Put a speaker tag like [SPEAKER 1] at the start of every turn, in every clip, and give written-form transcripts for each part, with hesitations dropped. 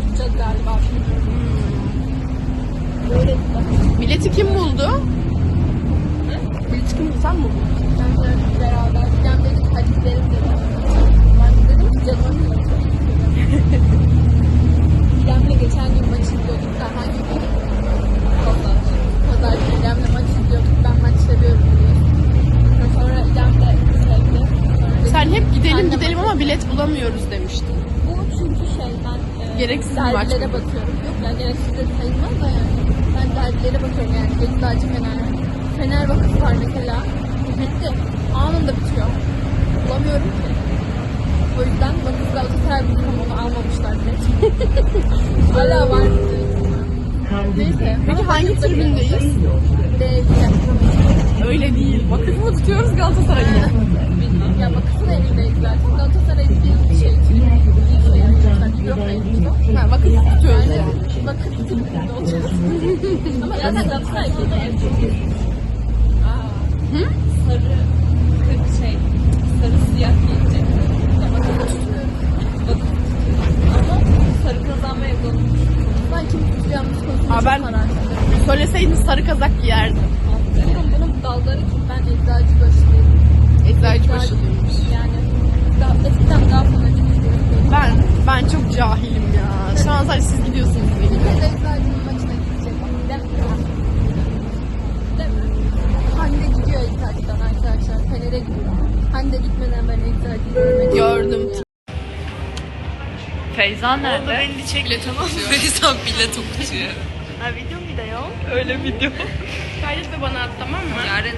[SPEAKER 1] tutacağız galiba. Böyle
[SPEAKER 2] Bileti kim buldu? Bileti kim buldu? Sen mi buldun?
[SPEAKER 1] ben beraber. Cem dedik hadi gidelim dedim. Ben de dedim ki canım yok. Cem'le geçen gün maç izliyorduk da hangi gün? Pazar günü Cem'le maç izliyorduk. Ben maç seviyorum diye. Sonra Cem de sevdi.
[SPEAKER 2] Sen hep gidelim ama bilet bulamıyoruz demiştin.
[SPEAKER 1] Bu çünkü ben
[SPEAKER 2] Gereksiz bir maç
[SPEAKER 1] dergilere
[SPEAKER 2] mı?
[SPEAKER 1] bakıyorum. Yok yani gereksiz de sayılmaz da yani. Ben dergilere bakıyorum yani. Beşiktaş Fener Vakıfı var mesela. Bitti. Anında bitiyor. Bulamıyorum ki. O yüzden Vakıf Galatasaray bizim onu almamışlar bile. Hala var. Neyse.
[SPEAKER 2] Peki hangi tribündeyiz?
[SPEAKER 1] D2.
[SPEAKER 2] Öyle değil. Vakıfı mı tutuyoruz Galatasaray'ı?
[SPEAKER 1] Bilmem. Ya Vakıf'ın elindeyiz zaten. Galatasaray bir şey.
[SPEAKER 2] Ha, vakıf tutuyoruz yani.
[SPEAKER 1] Vakıf tribünde olacağız. Ama zaten Galatasaray burada ev çok iyi.
[SPEAKER 2] Hı?
[SPEAKER 1] Sarı siyah giyecek. Ya bakın ama sarı kazanmaya yapalım. Ben kim tutacağımız konusunda
[SPEAKER 2] Aa, ben söyleseydin sarı kazak giyerdim.
[SPEAKER 1] bunun dalları kim? Ben Eczacıbaşı'yım.
[SPEAKER 2] Eczacıbaşı'lıymış.
[SPEAKER 1] Yani eskiden daha fanatik izliyorum.
[SPEAKER 2] Ben çok cahilim ya. Şu an sadece siz gidiyorsunuz benim.
[SPEAKER 1] Biz Eczacı'nın maçına gidecek. Değil mi? Hande gidiyor Eczacı'dan arkadaşlar. Fener'e gidiyor. Hande gitmeden ben Eczacı'yı görmedim.
[SPEAKER 2] Gördüm.
[SPEAKER 3] Feyza nerede?
[SPEAKER 2] Belli çekle tamam.
[SPEAKER 3] Feyza bilet okutuyor.
[SPEAKER 2] Ha video mu da yok? Öyle video. Kaydet de bana at tamam mı?
[SPEAKER 3] Yarın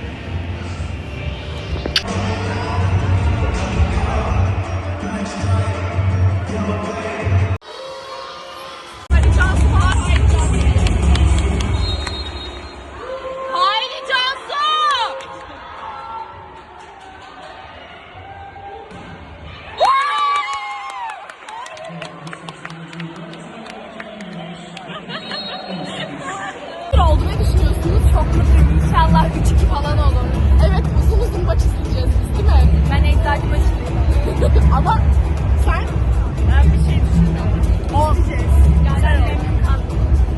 [SPEAKER 2] Haydi Cansu! oldu ne düşünüyorsunuz? Çok mutluyum. İnşallah 3-2 falan olur. Evet uzun uzun maç izleyeceğiz biz değil mi?
[SPEAKER 1] Ben Eczacıbaşı'yım.
[SPEAKER 2] Ama sen
[SPEAKER 1] Ben bir şey düşünmüyorum.
[SPEAKER 2] o
[SPEAKER 1] Yani memnun kaldım.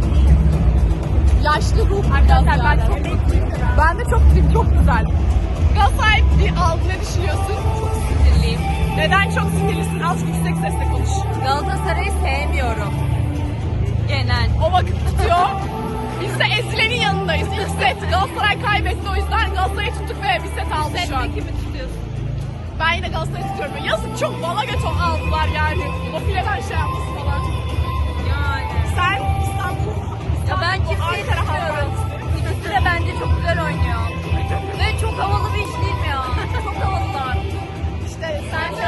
[SPEAKER 2] yaşlı ruh
[SPEAKER 1] Arkadaşlar
[SPEAKER 2] biraz
[SPEAKER 1] ben
[SPEAKER 2] yani.
[SPEAKER 1] çok mutluyum.
[SPEAKER 2] Ben de çok mutluyum, çok güzel. Galatasaray bir aldı, ne düşünüyorsun?
[SPEAKER 1] Sinirliyim.
[SPEAKER 2] Neden çok sinirlisin? Azıcık yüksek sesle konuş.
[SPEAKER 1] Galatasaray'ı sevmiyorum. Genel.
[SPEAKER 2] O vakit tutuyor. Biz de ezilenin yanındayız. İlk set Galatasaray kaybetti, o yüzden Galatasaray'ı tuttuk ve bir set aldı şu an.
[SPEAKER 1] Sen kimi tutuyorsun?
[SPEAKER 2] Ben yine Galatasaray'ı tutuyorum. Yazık çok bala göt aldılar yani. O fileden şey yapması falan.
[SPEAKER 1] Yani.
[SPEAKER 2] Sen İstanbul,
[SPEAKER 1] Ya ben kimseyi
[SPEAKER 2] Ankara
[SPEAKER 1] tutuyorum.
[SPEAKER 2] Halkbank.
[SPEAKER 1] İkisi de bence çok güzel oynuyor. Ve çok havalı bir iş değil mi ya? Çok havalılar.
[SPEAKER 2] İşte
[SPEAKER 1] Sen
[SPEAKER 2] sen
[SPEAKER 1] de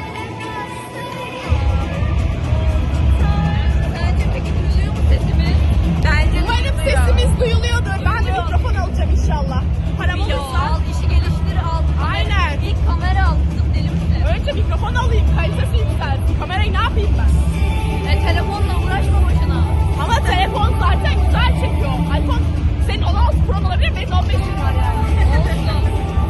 [SPEAKER 1] Bence peki duyuluyor mu sesimi? Bence
[SPEAKER 2] umarım sesimiz duyuluyordur. Ben de mikrofon alacağım inşallah. Param olursa.
[SPEAKER 1] Al, işi geliştir al.
[SPEAKER 2] Aynen.
[SPEAKER 1] İlk kamera al. Kızım deli misin?
[SPEAKER 2] Önce mikrofon alayım, kalitesi yükselsin. Kamerayı ne yapayım ben?
[SPEAKER 1] Telefonla uğraşma boşuna.
[SPEAKER 2] Ama telefon zaten güzel çekiyor. iPhone senin 16 Pro olabilir, benim 15 var yani.
[SPEAKER 1] Olsun.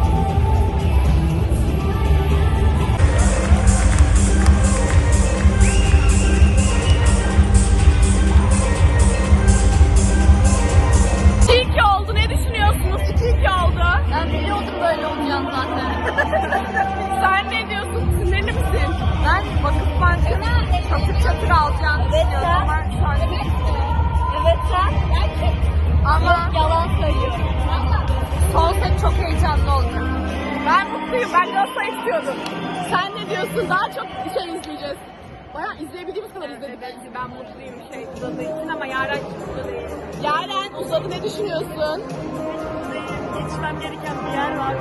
[SPEAKER 2] İyi ki oldu. Ne düşünüyorsunuz? 2-2 oldu.
[SPEAKER 1] Ben biliyordum böyle olacağını zaten.
[SPEAKER 2] Sen ne diyorsun? Sinirli misin?
[SPEAKER 1] Ben Vakıfbank'ın çatır çatır alacağını düşünüyorum ama şu an Evet sen? Ama yalan söylüyorum. Son set çok heyecanlı olacak.
[SPEAKER 2] Ben mutluyum. Ben Galatasaray istiyordum. Sen ne diyorsun? Daha çok şey izleyeceğiz. Bayağı izleyebildiğimiz kadar izledik.
[SPEAKER 1] Ben mutluyum uzadığı için ama Yaren çıktı değil.
[SPEAKER 2] Yaren uzadı, ne düşünüyorsun?
[SPEAKER 1] Geçmem gereken bir yer var.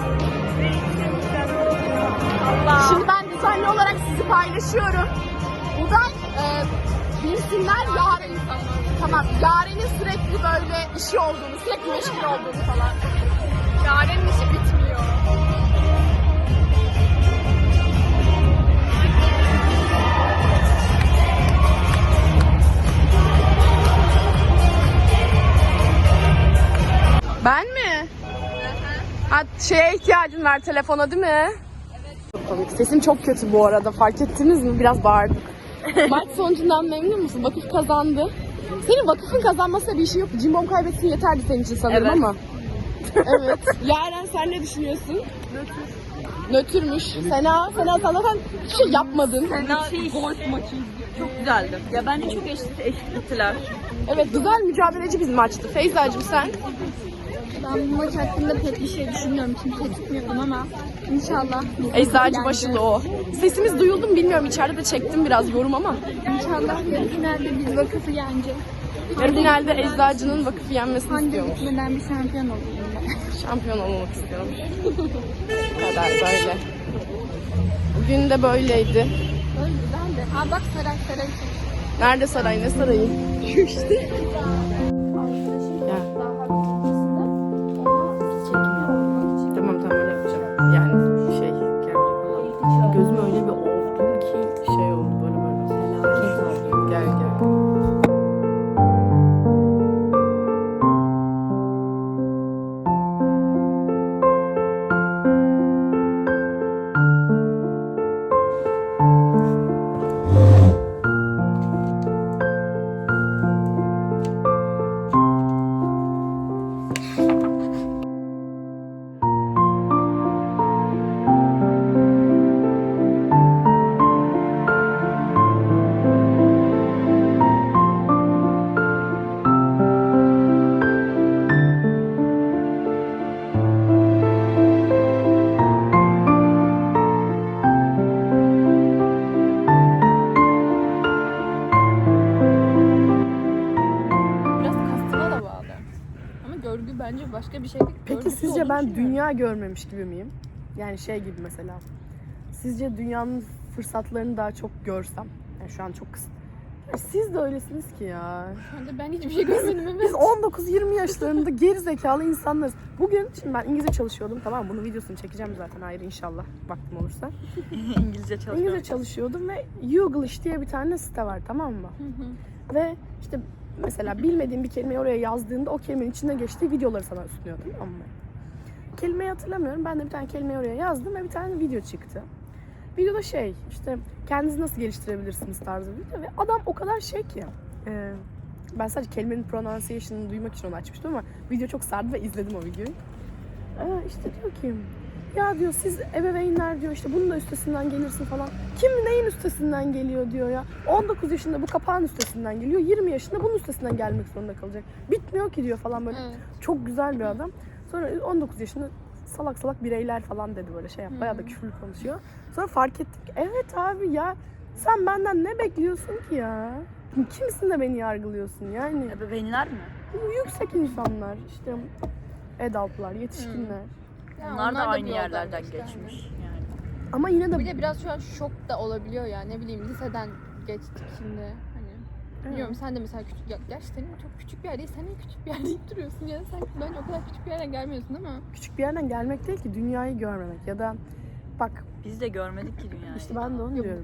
[SPEAKER 2] Şimdi ben düzenli olarak sizi paylaşıyorum. Buradan bilsinler Yaren'in tamam. Yaren'in sürekli böyle işi olduğunu, sürekli meşgul olduğunu falan. Yaren'in işi bitmiyor. Ben mi? Ha, şeye ihtiyacın var, telefona değil mi? Evet. Çok komik. Sesim çok kötü bu arada. Fark ettiniz mi? Biraz bağırdım. Maç sonucundan memnun musun? Vakıf kazandı. Senin vakıfın kazanmasına bir işin yok. Cimbom kaybetsin yeterli senin için sanırım
[SPEAKER 3] Evet.
[SPEAKER 2] ama. Evet. Yaren sen ne düşünüyorsun? Nötrmüş. Sena sen zaten hiç şey yapmadın.
[SPEAKER 3] Golf maçı çok güzeldi. Ya bence çok eşittiler.
[SPEAKER 2] Evet güzel mücadeleci bir maçtı. Feyza'cığım sen?
[SPEAKER 1] Ben bu maç hakkında pek bir şey düşünmüyorum. Kimse tutmuyordum ama inşallah.
[SPEAKER 2] Eczacı başında o. Sesimiz duyuldu mu bilmiyorum. İçeride de çektim biraz yorum ama.
[SPEAKER 1] İnşallah yarı finalde biz vakıfı yeneceğiz.
[SPEAKER 2] Yarı finalde Eczacı'nın vakıfı yenmesini
[SPEAKER 1] Hande
[SPEAKER 2] istiyormuş.
[SPEAKER 1] gitmeden bir şampiyon olayım ben.
[SPEAKER 2] Şampiyon olmak istiyormuş. Bu kadar böyle. Bugün de böyleydi.
[SPEAKER 1] Öyle güzeldi. Aa bak saray.
[SPEAKER 2] Nerede saray? Ne sarayı? Şu işte. Ya. Tamam öyle yapacağım. Yani şey gözüm öyle bir ovdum ki şey oldu böyle. Gel.
[SPEAKER 1] Biraz kastına da bağlı. Ama görgü bence başka bir şey değil.
[SPEAKER 2] Peki
[SPEAKER 1] Görgüsü
[SPEAKER 2] sizce
[SPEAKER 1] olduğunu
[SPEAKER 2] ben
[SPEAKER 1] düşünüyorum.
[SPEAKER 2] dünya görmemiş gibi miyim? Yani şey gibi mesela. Sizce dünyanın fırsatlarını daha çok görsem. Yani şu an çok kısa. Ya siz de öylesiniz ki ya.
[SPEAKER 1] Ben hiçbir şey görmedim evet.
[SPEAKER 2] Biz 19-20 yaşlarında geri zekalı insanlarız. Bugün şimdi ben İngilizce çalışıyordum, tamam mı? Bunun videosunu çekeceğim zaten ayrı inşallah vaktim olursa. İngilizce çalışıyordum ve Youglish diye bir tane site var, tamam mı? Ve işte mesela bilmediğim bir kelimeyi oraya yazdığında o kelimenin içinde geçtiği videoları sana sunuyor, tamam mı? Kelimeyi hatırlamıyorum. Ben de bir tane kelimeyi oraya yazdım ve bir tane video çıktı. Videoda şey işte kendinizi nasıl geliştirebilirsiniz tarzı bir video ve adam o kadar şey ki ben sadece kelimenin pronunciation'ını duymak için onu açmıştım ama video çok sardı ve izledim o videoyu. İşte diyor ki ya diyor siz ebeveynler diyor işte bunun da üstesinden gelirsin falan. Kim neyin üstesinden geliyor diyor ya. 19 yaşında bu kapağın üstesinden geliyor. 20 yaşında bunun üstesinden gelmek zorunda kalacak. Bitmiyor ki diyor falan böyle.
[SPEAKER 1] Evet.
[SPEAKER 2] Çok güzel bir adam. Sonra 19 yaşında salak bireyler falan dedi böyle şey yap. Bayağı da küfürlü konuşuyor. Sonra fark ettim ki evet abi ya sen benden ne bekliyorsun ki ya? Kimsin de beni yargılıyorsun yani?
[SPEAKER 3] Ebeveynler mi?
[SPEAKER 2] Yüksek insanlar işte adultlar, yetişkinler.
[SPEAKER 1] Ya
[SPEAKER 3] Onlar da
[SPEAKER 1] bir
[SPEAKER 3] aynı
[SPEAKER 1] yoldan
[SPEAKER 3] yerlerden
[SPEAKER 1] geçti,
[SPEAKER 3] geçmiş yani.
[SPEAKER 2] Ama yine de
[SPEAKER 1] Bir de biraz şu an şok da olabiliyor ya. Ne bileyim liseden geçtik şimdi. Hani biliyorum sen de mesela küçük gerçi senin çok küçük bir yer değil. Sen niye küçük bir yer deyip duruyorsun ya. Sen bence o kadar küçük bir yerden gelmiyorsun ama.
[SPEAKER 2] küçük bir yerden gelmek değil ki dünyayı görmemek ya da bak
[SPEAKER 3] Biz de görmedik ki dünyayı.
[SPEAKER 2] işte ben de onu diyorum.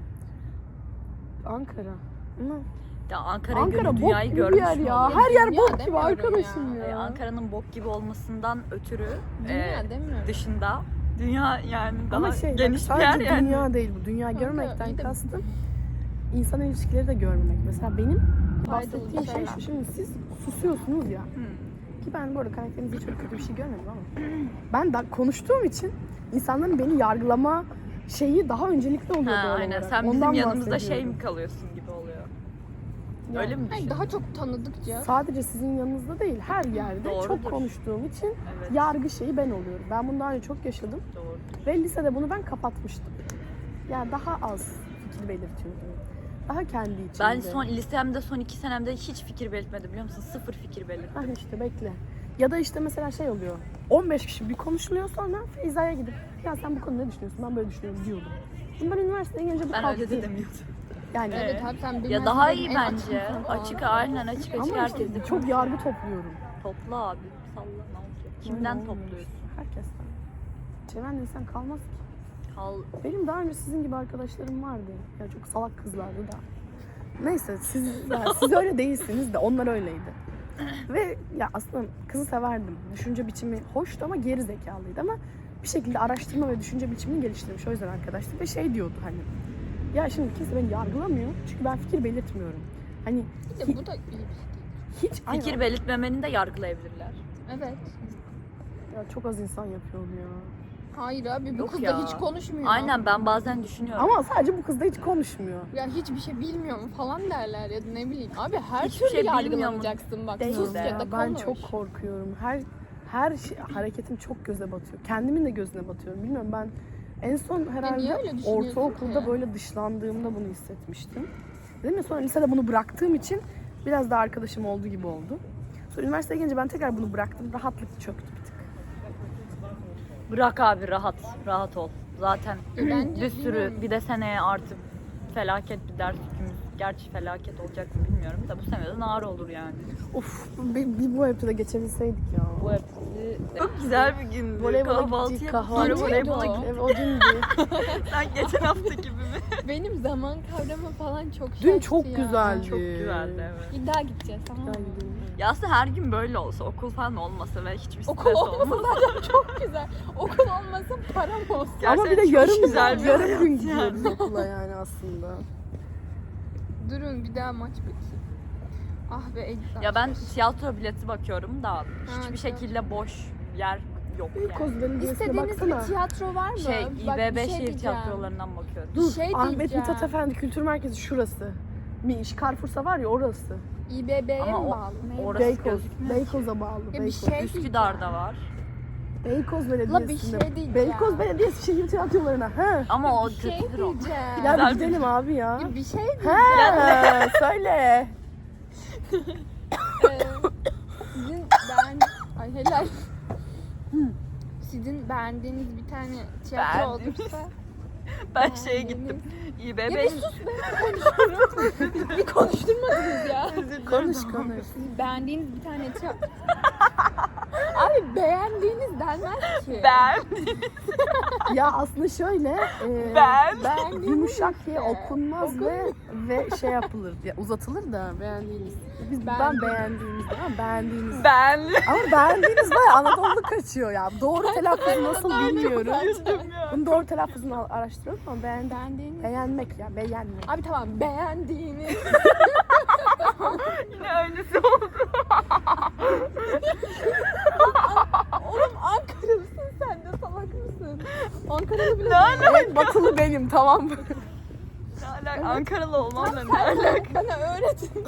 [SPEAKER 2] Ankara. Ama
[SPEAKER 3] Ya Ankara
[SPEAKER 2] Ankara bok
[SPEAKER 3] dünyayı
[SPEAKER 2] gibi bir
[SPEAKER 3] görmüş
[SPEAKER 2] yer
[SPEAKER 3] mü
[SPEAKER 2] ya.
[SPEAKER 3] oluyor?
[SPEAKER 2] Her yer
[SPEAKER 1] Dünya
[SPEAKER 2] bok gibi
[SPEAKER 1] demiyorum
[SPEAKER 2] arkadaşım
[SPEAKER 1] ya.
[SPEAKER 2] ya.
[SPEAKER 3] Ankara'nın bok gibi olmasından ötürü
[SPEAKER 1] Dünya demiyorum.
[SPEAKER 3] dışında dünya yani daha
[SPEAKER 2] Ama şey
[SPEAKER 3] geniş bir
[SPEAKER 2] sadece
[SPEAKER 3] yer yani.
[SPEAKER 2] dünya değil bu. Dünya
[SPEAKER 1] Kanka,
[SPEAKER 2] görmekten
[SPEAKER 1] iyi de-
[SPEAKER 2] kastım insan ilişkileri de görmemek. Mesela benim
[SPEAKER 1] Faydalı
[SPEAKER 2] bahsettiğim
[SPEAKER 1] bir
[SPEAKER 2] şey
[SPEAKER 1] şeyler.
[SPEAKER 2] şu. Şimdi siz susuyorsunuz ya. Ki ben bu arada karakterinizde hiç öyle kötü bir şey görmedim ama. Ben de konuştuğum için insanların beni yargılama şeyi daha öncelikli oluyor doğal
[SPEAKER 3] Aynen
[SPEAKER 2] olarak.
[SPEAKER 3] sen bizim
[SPEAKER 2] Ondan
[SPEAKER 3] yanımızda şey
[SPEAKER 2] bahsediyorum.
[SPEAKER 3] mi kalıyorsun gibi oluyor.
[SPEAKER 2] Yani
[SPEAKER 3] Öyle mi
[SPEAKER 1] Hayır,
[SPEAKER 3] düşünüyorsun?
[SPEAKER 1] daha çok tanıdıkça.
[SPEAKER 2] sadece sizin yanınızda değil, her yerde
[SPEAKER 3] Doğrudur.
[SPEAKER 2] çok konuştuğum için
[SPEAKER 3] Evet.
[SPEAKER 2] yargı şeyi ben oluyorum. Ben bunu daha önce çok yaşadım.
[SPEAKER 3] Doğru.
[SPEAKER 2] Ve lisede bunu ben kapatmıştım. Yani daha az fikir belirtiyordum. Daha kendi içimde.
[SPEAKER 3] Ben lisemde son 2 senemde hiç fikir belirtmedim biliyor musun? Sıfır fikir belirtmedim.
[SPEAKER 2] Hani işte bekle. Ya da işte mesela şey oluyor. 15 kişi bir konuşuluyor sonra Feyza'ya gidip ya sen bu konuda ne düşünüyorsun? Ben böyle düşünüyorum diyordum. Şimdi ben üniversiteye gelince bu
[SPEAKER 3] Ben
[SPEAKER 2] kalktı.
[SPEAKER 3] öyle de demiyordum.
[SPEAKER 2] Yani
[SPEAKER 1] Evet abi sen
[SPEAKER 3] Ya
[SPEAKER 1] bilmezsin
[SPEAKER 3] daha
[SPEAKER 1] dedim,
[SPEAKER 3] iyi
[SPEAKER 1] en
[SPEAKER 3] bence.
[SPEAKER 1] insan falan.
[SPEAKER 3] Açık aynen açık
[SPEAKER 2] ama işte
[SPEAKER 3] herkes de
[SPEAKER 2] çok yargı topluyorum.
[SPEAKER 3] Topla abi. Salla ne olacak? Kimden
[SPEAKER 2] Öyle olmuyor.
[SPEAKER 3] topluyorsun?
[SPEAKER 2] Herkesten. Çeven insan kalmaz ki.
[SPEAKER 3] Kal.
[SPEAKER 2] Benim daha önce sizin gibi arkadaşlarım vardı. Ya çok salak kızlardı da. Neyse siz öyle değilsiniz de onlar öyleydi. Ve ya aslında kızı severdim. Düşünce biçimi hoştu ama geri zekalıydı ama bir şekilde araştırma ve düşünce biçimini geliştirmiş. O yüzden arkadaşlık ve şey diyordu hani Ya şimdi kimse beni yargılamıyor. Çünkü ben fikir belirtmiyorum. Hani
[SPEAKER 1] Bir de bu da iyi bir şey.
[SPEAKER 2] hiç
[SPEAKER 3] Fikir belirtmemeni de yargılayabilirler.
[SPEAKER 1] Evet.
[SPEAKER 2] Ya çok az insan yapıyor onu ya.
[SPEAKER 1] Hayır abi bu
[SPEAKER 3] Yok
[SPEAKER 1] kız
[SPEAKER 3] ya.
[SPEAKER 1] da hiç konuşmuyor.
[SPEAKER 3] Aynen, ben bazen düşünüyorum.
[SPEAKER 2] Ama sadece bu kız da hiç konuşmuyor.
[SPEAKER 1] Yani hiçbir şey bilmiyor mu falan derler ya da ne bileyim. Abi her
[SPEAKER 3] Hiçbir
[SPEAKER 1] türlü
[SPEAKER 3] şey bilmiyor mu?
[SPEAKER 1] yargılanacaksın bak.
[SPEAKER 3] Değil
[SPEAKER 1] Sus
[SPEAKER 3] de
[SPEAKER 1] ya da
[SPEAKER 2] Ben
[SPEAKER 1] konuş.
[SPEAKER 2] çok korkuyorum. Her şey, hareketim çok göze batıyor. Kendimin de gözüne batıyorum. Bilmiyorum, ben en son
[SPEAKER 1] niye
[SPEAKER 2] herhalde
[SPEAKER 1] öyle düşünüyorsun
[SPEAKER 2] ortaokulda
[SPEAKER 1] ki?
[SPEAKER 2] böyle dışlandığımda bunu hissetmiştim. Dedim ya, sonra lisede bunu bıraktığım için biraz daha arkadaşım olduğu gibi oldu. Sonra üniversiteye gelince ben tekrar bunu bıraktım. Rahatlık çöktü bir tık.
[SPEAKER 3] Bırak abi, rahat ol. Zaten
[SPEAKER 1] Bence
[SPEAKER 3] bir sürü,
[SPEAKER 1] bilmiyorum.
[SPEAKER 3] bir de seneye artık felaket bir ders yükümüz. Gerçi felaket olacak mı bilmiyorum da bu seneden ağır olur yani.
[SPEAKER 2] Of, bir bu hepsi de geçebilseydik ya.
[SPEAKER 3] Bu hepsi çok güzel bir gündü.
[SPEAKER 2] Voleybola gittik, kahvaltı
[SPEAKER 1] Sonra voleybola
[SPEAKER 2] ettik.
[SPEAKER 1] gittik.
[SPEAKER 2] Evet, o dündü.
[SPEAKER 3] Sen geçen hafta gibi mi?
[SPEAKER 1] Benim zaman kavramı falan çok
[SPEAKER 2] Dün
[SPEAKER 1] şaştı
[SPEAKER 2] çok
[SPEAKER 1] ya.
[SPEAKER 2] güzeldi.
[SPEAKER 3] Çok güzeldi, evet.
[SPEAKER 1] Bir daha gideceğiz tamam mı?
[SPEAKER 2] Gel gidelim.
[SPEAKER 3] Ya aslında her gün böyle olsa, okul falan olmasa ve hiçbir stres
[SPEAKER 1] Okul olmasa
[SPEAKER 3] olmasa.
[SPEAKER 1] zaten çok güzel. Okul olmasa param olsun.
[SPEAKER 3] Gerçekten
[SPEAKER 2] Ama bir de
[SPEAKER 3] çok
[SPEAKER 2] yarım
[SPEAKER 3] güzel bir
[SPEAKER 2] yarım
[SPEAKER 3] hayat
[SPEAKER 2] gün
[SPEAKER 3] yani.
[SPEAKER 2] gidiyoruz okula yani aslında.
[SPEAKER 1] Durun bir daha maç bitsin. Ah be Egzal.
[SPEAKER 3] Ya ben tiyatro bileti bakıyorum da hiçbir
[SPEAKER 1] tiyatro.
[SPEAKER 3] şekilde boş yer yok yani.
[SPEAKER 2] Beykoz Belediyesi'ne
[SPEAKER 1] İstediğiniz
[SPEAKER 2] baksana.
[SPEAKER 1] bir tiyatro var mı? Bak,
[SPEAKER 3] İBB
[SPEAKER 1] bir şey
[SPEAKER 3] şehir
[SPEAKER 1] diyeceğim.
[SPEAKER 3] tiyatrolarından bakıyorum.
[SPEAKER 2] Dur,
[SPEAKER 1] şey
[SPEAKER 2] Ahmet
[SPEAKER 1] diyeceğim.
[SPEAKER 2] Mithat Efendi Kültür Merkezi şurası. Carrefour'sa var ya, orası.
[SPEAKER 1] İBB'ye mi
[SPEAKER 3] Ama o-
[SPEAKER 1] bağlı? Neye
[SPEAKER 3] orası
[SPEAKER 1] bağlı?
[SPEAKER 2] Beykoz.
[SPEAKER 3] gözükmüyor.
[SPEAKER 2] Beykoz'a bağlı.
[SPEAKER 1] Ya bir
[SPEAKER 2] Beykoz.
[SPEAKER 1] şey
[SPEAKER 3] Üsküdar'da var.
[SPEAKER 2] Beykoz
[SPEAKER 1] La bir
[SPEAKER 2] Belediyesi'nde.
[SPEAKER 1] şey diyeceğim.
[SPEAKER 2] Beykoz Belediyesi şehir tiyatrolarına. Ha.
[SPEAKER 3] Ama o
[SPEAKER 1] Bir şey
[SPEAKER 3] kötüdür o.
[SPEAKER 1] diyeceğim.
[SPEAKER 2] Ya gidelim abi ya.
[SPEAKER 1] Ya bir şey diyeceğim.
[SPEAKER 2] Ha, söyle.
[SPEAKER 1] Sizin Ay helal. Sizin beğendiğiniz bir tane tiyatro
[SPEAKER 3] Beğendiğimiz.
[SPEAKER 1] olursa
[SPEAKER 3] Ben şeye gittim.
[SPEAKER 1] ya
[SPEAKER 3] İBB.
[SPEAKER 1] bir sus be konuşuyorum. Bir konuşturmadınız ya.
[SPEAKER 2] Konuş konuş.
[SPEAKER 1] Beğendiğiniz bir tane tiyatro. Abi beğendiğiniz denmez ki.
[SPEAKER 3] Ben.
[SPEAKER 2] Ya aslında şöyle.
[SPEAKER 3] Ben.
[SPEAKER 2] Yumuşak diye
[SPEAKER 1] işte.
[SPEAKER 2] okunmaz ve şey yapılır diye uzatılır da beğendiğiniz. Ben beğendiğimiz ama beğendiğimiz.
[SPEAKER 3] Ben.
[SPEAKER 2] Ama beğendiğimiz bayağı Anadolu kaçıyor ya. Doğru telaffuzu nasıl bilmiyorum. Bunun doğru telaffuzunu araştırıyorum ama
[SPEAKER 1] Beğendiğiniz.
[SPEAKER 2] beğenmek ya, beğenmek.
[SPEAKER 1] Abi tamam beğendiğiniz.
[SPEAKER 3] Yine öylesi oldu.
[SPEAKER 1] Oğlum Ankaralısın sen de salak mısın? Ankaralı bile
[SPEAKER 2] En batılı benim, tamam mı?
[SPEAKER 3] Ne alaka? Ankaralı olmamla ne
[SPEAKER 1] Sen
[SPEAKER 3] alaka?
[SPEAKER 1] bana öğretin.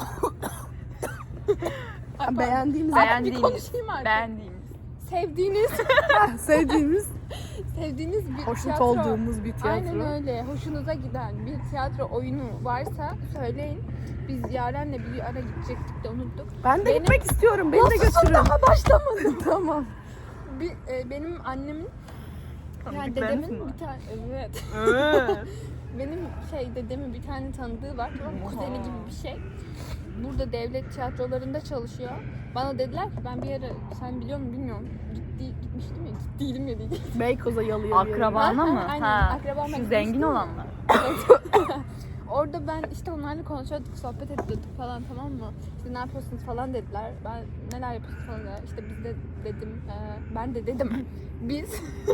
[SPEAKER 2] Beğendiğimiz,
[SPEAKER 1] Bir konuşayım artık.
[SPEAKER 3] Beğendiğimiz.
[SPEAKER 1] Sevdiğiniz,
[SPEAKER 2] sevdiğimiz,
[SPEAKER 1] bir
[SPEAKER 2] hoşnut
[SPEAKER 1] tiyatro.
[SPEAKER 2] olduğumuz bir tiyatro.
[SPEAKER 1] Aynen öyle. Hoşunuza giden bir tiyatro oyunu varsa söyleyin. Biz Yaren'le bir ara gidecektik de unuttuk.
[SPEAKER 2] Ben de
[SPEAKER 1] Benim-
[SPEAKER 2] gitmek istiyorum. Beni de götürün.
[SPEAKER 1] Daha başlamadım.
[SPEAKER 2] Tamam.
[SPEAKER 1] Benim annemin yani
[SPEAKER 3] Tanıdıklarınız
[SPEAKER 1] dedemin
[SPEAKER 3] mı var?
[SPEAKER 1] bir tane evet.
[SPEAKER 3] Evet.
[SPEAKER 1] Benim dedemin bir tane tanıdığı var. Tamam mı? Kuzeni gibi bir şey. Burada devlet tiyatrolarında çalışıyor. Bana dediler ki ben bir ara sen biliyor musun bilmiyorum. Gitmiştim ya. Gittiydim ya diyeceğim.
[SPEAKER 2] Beykoz'a yalıya bir yere.
[SPEAKER 3] Akrabana mı?
[SPEAKER 1] Aynen,
[SPEAKER 3] Ha.
[SPEAKER 1] akrabama
[SPEAKER 3] Şu
[SPEAKER 1] gitmiştim
[SPEAKER 3] zengin
[SPEAKER 1] ya.
[SPEAKER 3] olanlar.
[SPEAKER 1] Orada ben işte onlarla konuşuyorduk, sohbet ediyorduk falan tamam mı? İşte ne yapıyorsunuz falan dediler. Ben neler yapıyorsunuz falan dediler. İşte biz de dedim, ben de dedim. Biz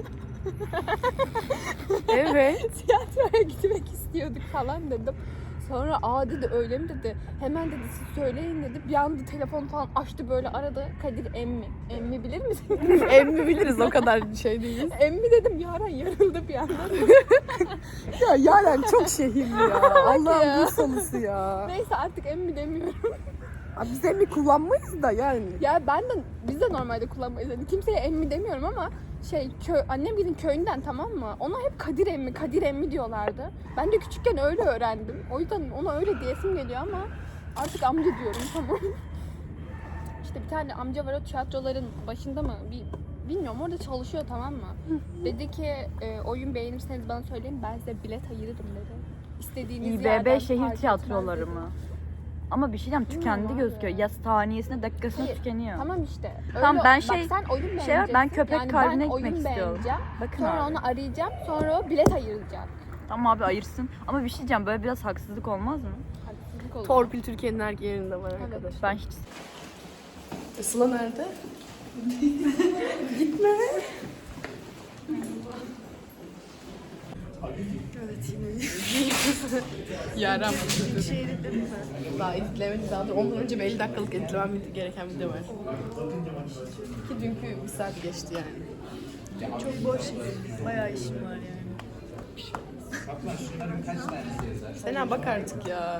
[SPEAKER 2] Evet.
[SPEAKER 1] tiyatroya gitmek istiyorduk falan dedim. Sonra dedi öyle mi dedi. Hemen dedi siz söyleyin dedi. Bir anda telefon falan açtı böyle arada. Kadir emmi. Emmi bilir misin?
[SPEAKER 2] Emmi biliriz, o kadar şey değiliz.
[SPEAKER 1] Emmi dedim Yaren yarıldı bir anda.
[SPEAKER 2] Ya Yaren çok şehirli ya.
[SPEAKER 1] ya.
[SPEAKER 2] Allah'ım bu salısı ya.
[SPEAKER 1] Neyse artık emmi demiyorum.
[SPEAKER 2] Abi biz emmi kullanmayız da yani.
[SPEAKER 1] Ya biz de normalde kullanmayız. Yani kimseye emmi demiyorum ama annemgilin köyünden tamam mı? Ona hep Kadir emmi diyorlardı. Ben de küçükken öyle öğrendim. O yüzden ona öyle diyesim geliyor ama artık amca diyorum tamam. İşte bir tane amca var o tiyatroların başında mı? Bilmiyorum orada çalışıyor tamam mı? Dedi ki oyun beğenirseniz bana söyleyin ben size bilet ayırırım dedi. İstediğiniz yerden
[SPEAKER 3] İBB şehir
[SPEAKER 1] fark
[SPEAKER 3] tiyatroları
[SPEAKER 1] etmez dedi.
[SPEAKER 3] mı? Ama bir şey diyeceğim, tükendi
[SPEAKER 1] Bilmiyorum abi.
[SPEAKER 3] gözüküyor. Ya saniyesine dakikasına
[SPEAKER 1] Hayır,
[SPEAKER 3] tükeniyor.
[SPEAKER 1] Tamam işte.
[SPEAKER 3] Tamam, ben
[SPEAKER 1] bak sen oyun
[SPEAKER 3] ben
[SPEAKER 1] beğeneceksin.
[SPEAKER 3] köpek
[SPEAKER 1] yani
[SPEAKER 3] kalbine
[SPEAKER 1] ben
[SPEAKER 3] gitmek
[SPEAKER 1] oyun
[SPEAKER 3] istiyorum.
[SPEAKER 1] beğeneceğim.
[SPEAKER 3] Bakın
[SPEAKER 1] Sonra
[SPEAKER 3] abi.
[SPEAKER 1] onu arayacağım. Sonra o bilet ayıracak.
[SPEAKER 3] Tamam abi ayırsın. Ama bir şey diyeceğim, böyle biraz haksızlık olmaz mı?
[SPEAKER 1] Haksızlık olur.
[SPEAKER 2] Torpil Türkiye'nin her yerinde var arkadaşlar.
[SPEAKER 3] Ben hiç...
[SPEAKER 2] Sıla nerede? Gitme. Evet yine Yaran başladı. Şey editledin mi? Daha editlemedim daha. Ondan önce bir 50 dakikalık editlemem gereken video var. Ki dünkü bir saat geçti yani.
[SPEAKER 1] Çok boş. Bayağı işim var yani.
[SPEAKER 4] Şunların kaç tanesi yazar?
[SPEAKER 2] Sena bak artık ya.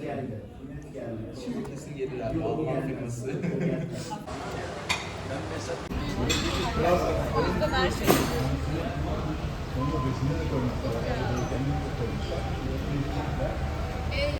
[SPEAKER 4] Şimdi kesin gelir abi. Alman firması.
[SPEAKER 1] O yüzden her şey.